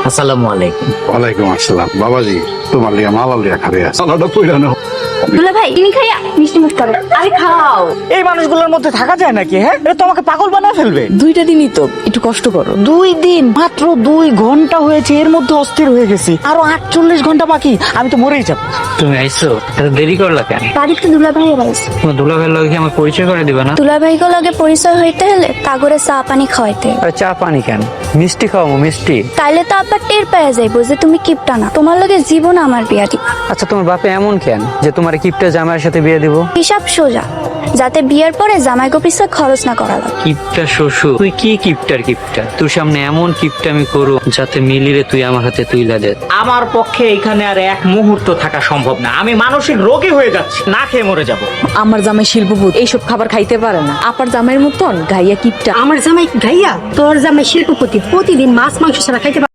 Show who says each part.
Speaker 1: আসসালামু আলাইকুম।
Speaker 2: ওয়ালাইকুম আসসালাম। বাবাজি তোমার লিয়া মালা লিয়া খাবে সালাটা পইরানো।
Speaker 3: দুলা ভাই তুমি খাইয়া মিষ্টি মুখ করো। আরে খাও।
Speaker 4: এই মানুষগুলোর মধ্যে থাকা যায় নাকি? হ্যাঁ, এটা তো আমাকে পাগল বানায় ফেলবে।
Speaker 5: 2টা দিনই তো, একটু কষ্ট করো।
Speaker 4: 2 দিন, মাত্র 2 ঘন্টা হয়েছে, এর মধ্যে অস্থির হয়ে গেছি। আরো 48 ঘন্টা বাকি, আমি তো মরেই যাব।
Speaker 1: তুমি আইছো, এত দেরি করলা কেন?
Speaker 3: বাড়িতে দুলা ভাই বাড়াইছে।
Speaker 1: তোমার দুলাভাইয়ের লগে কি আমার পরিচয় করে দিবা না?
Speaker 3: দুলা ভাই লগে পরিচয় হইতে হলে তাগরে চা পানি খাওয়াইতে।
Speaker 1: আরে চা পানি কেন, মিষ্টি খাওয়াবো মিষ্টি।
Speaker 3: তাইলে তো আবার টের পেয়ে যাইবো যে তুমি কিপটা না। তোমার লগে জীবন আমার বিয়া দিবা।
Speaker 1: আচ্ছা তোমার বাপে এমন কেন যে তোমার কিপটা জামাইয়ের সাথে বিয়ে দিব?
Speaker 3: হিসাব সোজা, যাতে বিয়ের পরে জামাইগো পিছে খরচ না করা লাগে।
Speaker 1: কিপটা শ্বশুর, তুই কি কিপটার কিপটা? তোর সামনে এমন কিপটা আমি করু যাতে মিলিরে তুই আমার হাতে তুইলা দে।
Speaker 4: আমার পক্ষে এখানে আর এক মুহূর্ত থাকা সম্ভব না। আমি মানসিক রোগী হয়ে যাচ্ছি, না খেয়ে মরে যাব।
Speaker 5: আমার জামাই শিল্পপতি, এইসব খাবার খাইতে পারে না। আপার জামাইয়ের মতন গাইয়া কিপটা।
Speaker 6: আমার জামাই গাইয়া, তোর জামাই শিল্পপতি, প্রতিদিন মাছ মাংস ছাড়া খাইতে পারে